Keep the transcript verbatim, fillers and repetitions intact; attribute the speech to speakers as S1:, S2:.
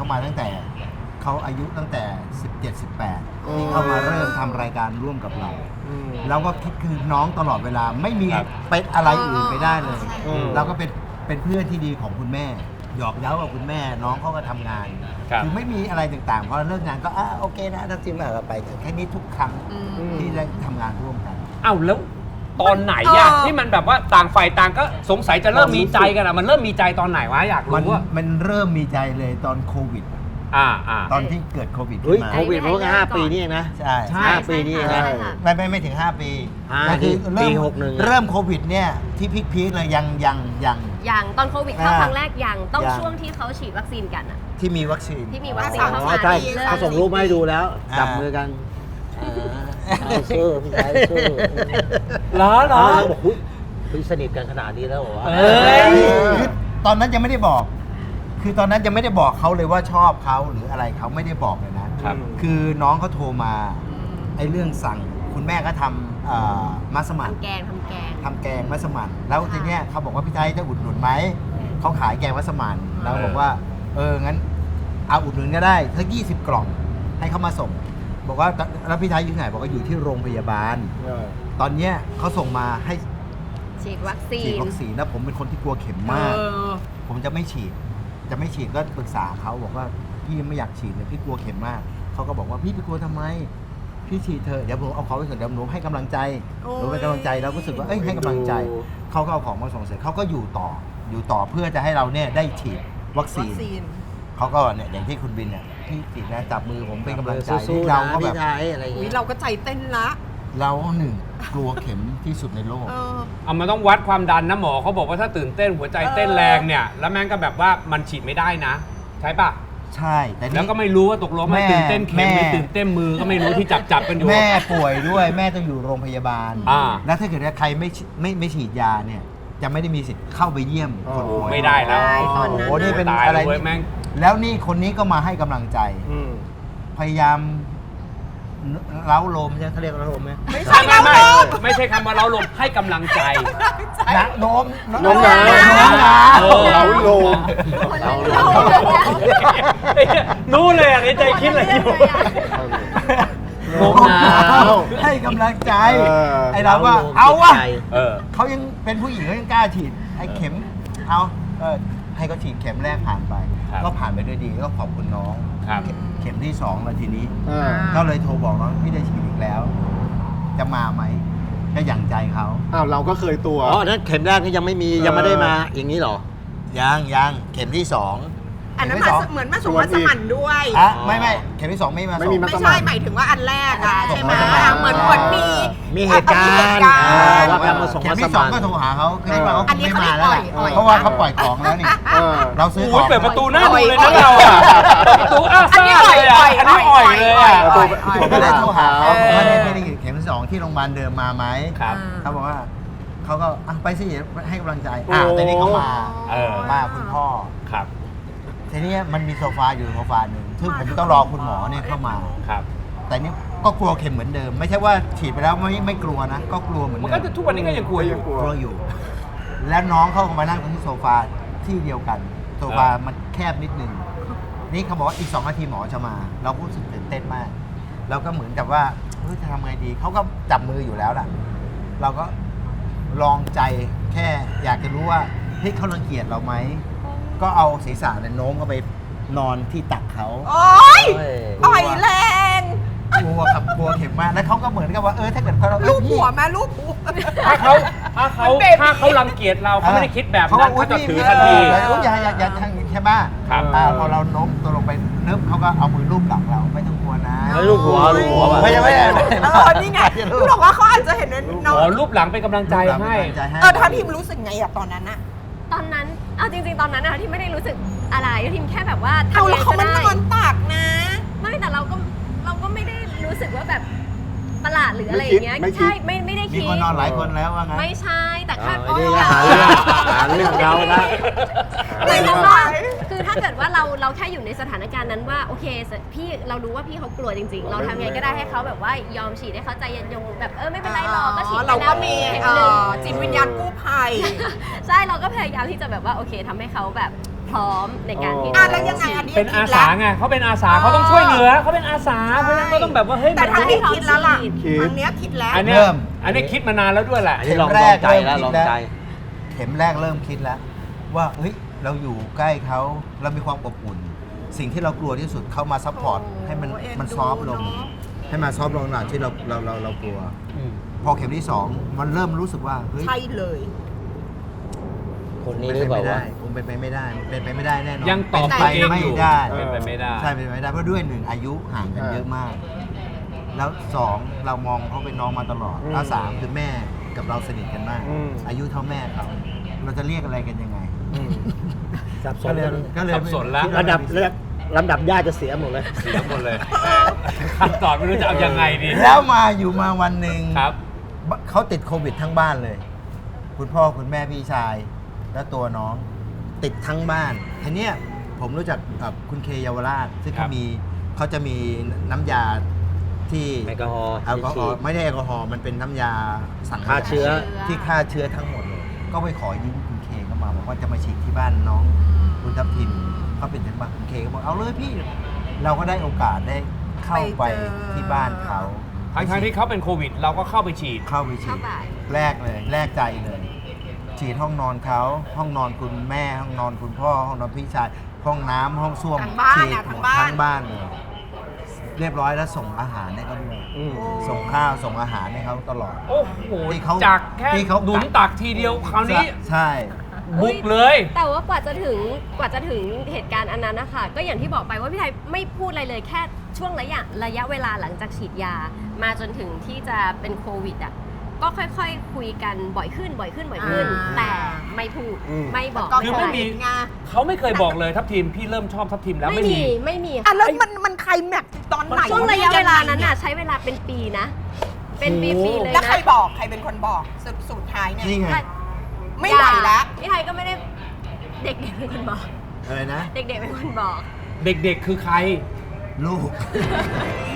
S1: มาตั้งแต่เขาอายุตั้งแต่สิบเจ็ด สิบแปดที่เข้ามาเริ่มทำรายการร่วมกับเราเราก็คิดคือน้องตลอดเวลาไม่มีเป็นอะไรอื่นไปได้เลยเราก็เป็นเป็นเพื่อนที่ดีของคุณแม่หยอกเย้ากับคุณแม่น้องเขาก็ทำงานคือไม่มีอะไรต่างๆพอเลิกงานก็อ่ะโอเคนะทักทีมเราไปแค่นี้ทุกครั้งที่ได้ทำงานร่วมกัน
S2: อ้าวแล้วตอนไหนอะที่มันแบบว่าต่างฝ่ายต่างก็สงสัยจะเริ่มมีใจกันอะมันเริ่มมีใจตอนไหนวะอยากรู้ว่า
S1: มันเริ่มมีใจเลยตอนโควิด
S2: อ่าอ่า
S1: ตอนที่เกิดโควิด
S3: เฮ้ยโควิดมันก็ห้าปีนี่เองนะ
S1: ใช่
S3: ห้าปีนี่เองนะ
S1: ไม่ไม่ไม่ถึงห้าปี
S3: คือปีหกหนึ่ง
S1: เริ่มโควิดเนี่ยที่พีคๆเลยยังยังยัง
S4: ยังตอนโควิดเข้าครั้งแรกยังต้องช่วงที่เขาฉีดวัคซีนกันอะ
S1: ที่มีวัคซีน
S4: ที่มีวัคซีนเข้ามา
S3: ใช่เขาส่งรูปมาให้ดูแล้วจับมือกันสู้พี่ชายสู้
S2: เหรอเหรอ
S3: บอกคุยสนิทกันขนาดนี้แล้วเหรอ
S1: ตอนนั้นยังไม่ได้บอกคือตอนนั้นยังไม่ได้บอกเขาเลยว่าชอบเขาหรืออะไรเขาไม่ได้บอกเลยนะคือน้องเขาโทรมาไอ้เรื่องสั่งคุณแม่ก็ทำมัสมั่น
S4: ทำแกงทำแกง
S1: ทำแกงมัสมั่นแล้วทีเนี้ยเขาบอกว่าพี่ไทยจะอุดหนุนไหมเขาขายแกงมัสมั่นเราบอกว่าเอองั้นเอาอุดหนุนก็ได้ถ้ายี่สิบกล่องให้เขามาส่งบอกว่าแล้วพี่ไทยอยู่ไหนบอกว่าอยู่ที่โรงพยาบาลตอนเนี้ยเขาส่งมาให้
S4: ฉีดวัคซีน
S1: ฉีดวัคซีนแล้วผมเป็นคนที่กลัวเข็มมากผมจะไม่ฉีดจะไม่ฉีดก็ปรึกษาเขาบอกว่าพี่ไม่อยากฉีดเลยพี่กลัวเข็มมากเขาก็บอกว่าพี่ไปกลัวทำไมพี่ฉีดเถอะเดี๋ยวผมเอาเขาไปเถอะเดี๋ยวหนูให้กำลังใจหนูเป็นกำลังใจเราก็รู้สึกว่าเอ้ยให้กำลังใจเขาก็เอาของมาส่งเสร็จเขาก็อยู่ต่ออยู่ต่อเพื่อจะให้เราเนี่ยได้ฉีดวัคซีนเขาก็เนี่ยอย่างที่คุณบินเนี่ยพี่ฉีดนะจับมือผมเป็นกำลังใจเราก็แบบ
S5: เราก็ใจเต้นละ
S1: เราหนึ่งกลัวเข็มที่สุดในโลก
S2: เอามันต้องวัดความดันนะหมอเขาบอกว่าถ้าตื่นเต้นหัวใจเต้นแรงเนี่ยแล้วแม่งก็แบบว่ามันฉีดไม่ได้นะใช่ปะ
S1: ใช่แต่
S2: แล้วก็ไม่รู้ว่าตกลงมันตื่นเต้นเข็มหรือตื่นเต้นมือก็ไม่รู้ที่จับจับกันอยู่
S1: แม่ป่วยด้วยแม่ต้องอยู่โรงพยาบาลแล้วถ้าเกิดใครไม่ไม่ไม่ฉีดยาเนี่ยจะไม่ได้มีสิทธิ์เข้าไปเยี่ยมคนป่วย
S2: ไม่ได้แล้ว
S1: โอ้โหนี่เป็นอะไรแล้วนี่คนนี้ก็มาให้กำลังใจพยายามเล้าลมใช่เขาเรียกเล้าลมไหม
S2: ไม่ใช่ไม่ไม่ไม่ใช่คำว่าเล้าลมให้กำลังใจ
S1: นะโน้ม
S3: โน้มน้าวเล้าลม
S2: นู้เลยอ่ะในใจคิดอะไรอยู่
S1: โน้มน้าวให้กำลังใจไอเราว่าเอาวะเขายังเป็นผู้หญิงเขายังกล้าฉีดไอเข็มเอาเออให้เขาฉีดเข็มแรกผ่านไปก็ผ่านไปด้วยดีก็ขอบคุณน้องเข็มที่สองแล้วทีนี้ก็เลยโทรบอกน้องพี่ได้ฉีดอีกแล้วจะมาไหมก็อย่างใจเขา
S3: อ้าวเราก็เคยตัวอ๋อนั้นเข็มแรกนี่ยังไม่มียังไม่ได้มาอย่างนี้หรอ
S1: ยังยังเข็มที่สอง
S5: อันนั้นเหมือนมาส่งมาสมั่นด้วย
S1: อ่ะไม่ไม่เข็มที่สองไม่มาส่ง
S5: ไม่ใช่หมายถึงว่าอันแรกอ่ะใช่ไหมเหมือนเหมือนมี
S3: มีเหตุการณ์ว่าการมาส่งมาสมั่น
S1: เข็มที่สองก็โทรหาเขาคือว่าเขาไม่มาแล้วเพราะว่าเขาปล่อยของแล้วนี่เราซื้อของ
S2: เปิดประตูหน้าดูเลยนะเราอ่ะประตูอ้าซ่าเลยอ่ะอันนี้อ่อยเลยอ่ะ
S1: ผมก็ได้โทรหาเขาว่าเนี่ยไม่ได้เข็มที่สองที่โรงพยาบาลเดิมมาไหมเขาบอกว่าเขาก็ไปสิให้กำลังใจอ่าแต่นี่เขามามาคุณพ่อ
S2: ครับ
S1: ทีนี้มันมีโซฟาอยู่โซฟาหนึ่งซึ่งผมต้องรอคุณหมอเนี่ยเข้ามา
S2: ครับ
S1: แต่นี่ก็กลัวเข็มเหมือนเดิมไม่ใช่ว่าฉีดไปแล้วไม่ไม่กลัวนะก็กลัวเหมือนเดิม
S2: มันก็ทุกวันนี้ก็ยังกลัวอยู่
S1: กลัวอยู่แล้วน้องเข้ามานั่งตรงที่โซฟาที่เดียวกันโซฟามันแคบนิดนึงนี่เขาบอกว่าอีกสองนาทีหมอจะมาเรารู้สึกตื่นเต้นมากเราก็เหมือนกับว่าเฮ้ยจะทำไงดีเขาก็จับมืออยู่แล้วล่ะเราก็ลองใจแค่อยากจะรู้ว่าเฮ้ยเขารังเกียจเราไหมก็เอาศีรษะเนี่ยโน้มเข้าไปนอนที่ตักเขา
S5: โอ๊ยอ่อยแรง
S1: กลัวครับกลัวเข็มมากแล้วเขาก็เหมือนกับว่าเออถ้าเกิดเขาเรา
S5: ลูกหัวแม่ลูกหัว
S2: ถ้าเขาถ้าเขาถ้าเขารังเกียจเราเขาไม่ได้คิดแบบนั้นเขาจะถือทันที
S1: อย่าอย่าอย่าทางใช่ไหมครับพอเราโน้มตัวลงไปนึบเขาก็เอามือลูบหลังเราไม่ต้องกลัวนะ
S3: ไม่ลูกหัวลูกหัว
S1: ไม่ไม่
S5: เออนี่ไงคือบอกว่าเขาอาจจะเห็น
S2: น้องรูปหลังเป็นกำลังใจให้
S5: เออท่านทีมรู้สึกไงอะตอนนั้นอะ
S4: ตอนนั้นเอาจริงๆตอนนั้นนะคะที่ไม่ได้รู้สึกอะไรทีมแค่แบบว่า
S5: ทำอะไรก็ได้เขามันนอนตักนะ
S4: ไม่แต่เราก็เราก็ไม่ได้รู้สึกว่าแบบประหลาดหรืออะไรอย่างเงี้ยใช่ไม่ไม่ได้คิด
S1: มีคนนอนหลายคนแล้วว่าไง
S4: ไม่ใช่แต่แค่
S3: หาเรื่องหาเรื่องเราละ
S4: ไม่ใช่คือถ้าเกิดว่าเราเราแค่อยู่ในสถานการณ์นั้นว่าโอเคพี่เรารู้ว่าพี่เขากลัวจริงๆเราทำไงก็ได้ให้เขาแบบว่ายอมฉีดให้เขาใจเย็นยงแบบเออไม่เป็นไรหรอกก็ฉีด
S5: เราก็มีจิตวิญญาณกู้ภัย
S4: ใช่เราก็พยายามที่จะแบบว่าโอเคทำให้เขาแบบพร้อมในการที่
S5: อ่ะ
S4: จะ
S5: แล้วยังไงอันนี้
S2: เป็นอาสาไงเขาเป็นอาสาเขาต้องช่วยเหลือเขาเป็นอาสาเพราะฉะนั้นก็ต้องแบบว่าเฮ้ย
S5: แต่
S2: มัน
S5: ทางนี้คิดแล้วล่ะ
S3: คิด
S5: ทางเนี้ยคิดแล้ว
S2: อันเนี้ย
S1: เริ่ม
S2: อันนี้คิดมานานแล้วด้วยแหละ
S3: อันนี้ลอง
S1: เข็ม
S3: ล
S1: แร
S3: อก งใจ
S1: เริ่
S3: แล้ว
S1: ม
S3: ลอง
S1: คิดแล้ว
S3: ใจ
S1: เข็มแรกเริ่มคิดแล้ว ว่าเฮ้ยเราอยู่ใกล้เขาเรามีความอบอุ่น สิ่งที่เรากลัวที่สุดเข้ามาซัพพอร์ต
S5: โอ้
S1: ให้มัน
S5: เอ็น
S1: มัน
S5: ดู
S1: ซอฟต์ลง
S5: เนอะ
S1: ให้มันซอฟต์ลงหน่อยที่เราเราเราเรากลัว
S2: อืม
S1: พอเข็มที่สองมันเริ่มรู้สึกว่าเฮ้ย
S5: ใช่เลย
S3: คน
S1: เป็
S3: นี้
S1: น
S3: หรือ
S1: ไป
S3: เปล่า
S1: ไม่ได้
S3: วะ
S1: คงเป็นไปไม่ได้มันเป็นไปไม่ได้แน่นอน
S2: ยังตอบ
S1: เป็น
S2: ตัว
S1: ไป
S2: เองอยู่
S1: ไม่ได้
S2: เป็นไปไม่ได้
S1: ใช่เป็นไปไม่ได้เพราะด้วยหนึ่งอายุห่างกันเยอะมาก แล้วสองเรามองเขาเป็นน้องมาตลอด
S3: อืม
S1: แล้วสามคือแม่กับเราสนิทกันมาก
S3: อืม
S1: อายุเท่าแม่เขาเราจะเรียกอะไรกันยังไง
S3: อืมสับส
S1: ก็
S3: น
S1: เลย
S3: กัน
S1: ก็เลย
S2: สับสนแล้ว
S1: คิ
S3: ระดับระดับลำดับญาติจะเสียหมดเลย
S2: เสียหมดเลยคำตอบไม่รู้จะเอายังไงดี
S1: แล้วมาอยู่มาวันหนึ่ง
S2: ครับ
S1: เขาติดโควิดทั้งบ้านเลย คุณพ่อคุณแม่พี่ชาย และตัวน้องติดทั้งบ้านทีเนี้ยผมรู้จักกับคุณเคเยาวราชซึ่ง
S2: ครั
S1: เขา
S2: บ
S1: มีเขาจะมีน้ำยาที่
S3: แอลกอฮอล์
S1: แอลกอฮอ
S3: ฉี
S1: ล์
S3: ด
S1: ไม่ได้แอลกอฮอล์มันเป็นน้ำยาสัง
S3: ฆ่าเชื้อ
S1: ที่ฆ่าเชื้อทั้งหมดเลย ก็ไปขอยืมคุณเคเข้ามาบอกว่าจะมาฉีดที่บ้านน้องคุณทัพทิมเขาเป็นถึงบ้านคุณเคก็บอกเอาเลยพี่ เราก็ได้โอกาสได้เข้าไป
S5: ไปเจอ
S1: ที่บ้านเขา
S2: ทั้งๆที่เขาเป็นโควิด เราก็เข้าไปฉีด
S1: เข้าไปฉี
S4: เข้า
S1: ด
S4: ไป
S1: แรกเลยแรกใจเลย ฉีดห้องนอนเขาห้องนอนคุณแม่ ห้องนอนคุณพ่อ ห้องนอนพี่ชาย ห้องน้ำห้องส้วม
S5: ทั้งบ้าน
S1: ฉีด
S5: อะ
S1: หม
S5: ทั้
S1: ด
S5: งบ้าน
S1: ทั้งบ้านเลยเรียบร้อยแล้วส่งอาหารให้เขาด้วย
S3: อืม
S1: ส่งข้าวส่งอาหารให้เขาตลอด
S2: โอ้โห
S1: ที่เขา
S2: จากแค่
S1: ที่เขา
S2: หนุนตักทีเดียวคราวนี้
S1: ใช่
S2: บุกเลย
S4: แต่ว่ากว่าจะถึงกว่าจะถึงเหตุการณ์อันนั้นนะคะก็อย่างที่บอกไปว่าพี่ไทยไม่พูดอะไรเลยแค่ช่วงระยะระยะเวลาหลังจากฉีดยา มาจนถึงที่จะเป็นโควิดอ่ะก็ค่อยๆคุยกันบ่อยขึ้นบ่อยขึ้นบ่อยขึ้น
S5: อ่า
S4: แต่ไม่พูด
S3: อืม
S4: ไม่บอก
S5: ก็
S2: คือ
S5: โค
S2: ไม่มี
S5: วิดไง
S2: เขาไม่เคยบอกเลยทัพทีมพี่เริ่มชอบทัพทีมแล้ว
S4: ไม่
S2: ไม่
S4: มี
S2: มี
S4: ไม่มี
S5: อ่ะแล้วมันมันใครแม็กซ์ตอนไหน
S4: ช่วงระยะเวลานั้น
S5: ยั
S4: น่ะ
S5: งไง
S4: ใช้เวลาเป็นปีนะ เป็น
S2: โอ้
S4: ปีๆเลย
S5: แล้ว
S4: นะ
S5: ใครบอกใครเป็นคนบอกสุดสุดท้ายเนี่ย
S1: นี่ไง
S5: ไม่ไหวแล้ว
S4: พี่ไทยก็ไม่ได้เด็กๆเป็นคนบอก
S1: อะไรนะ
S4: เด็กๆเป็นคนบอก
S2: เด็กๆคือใคร
S1: ลูก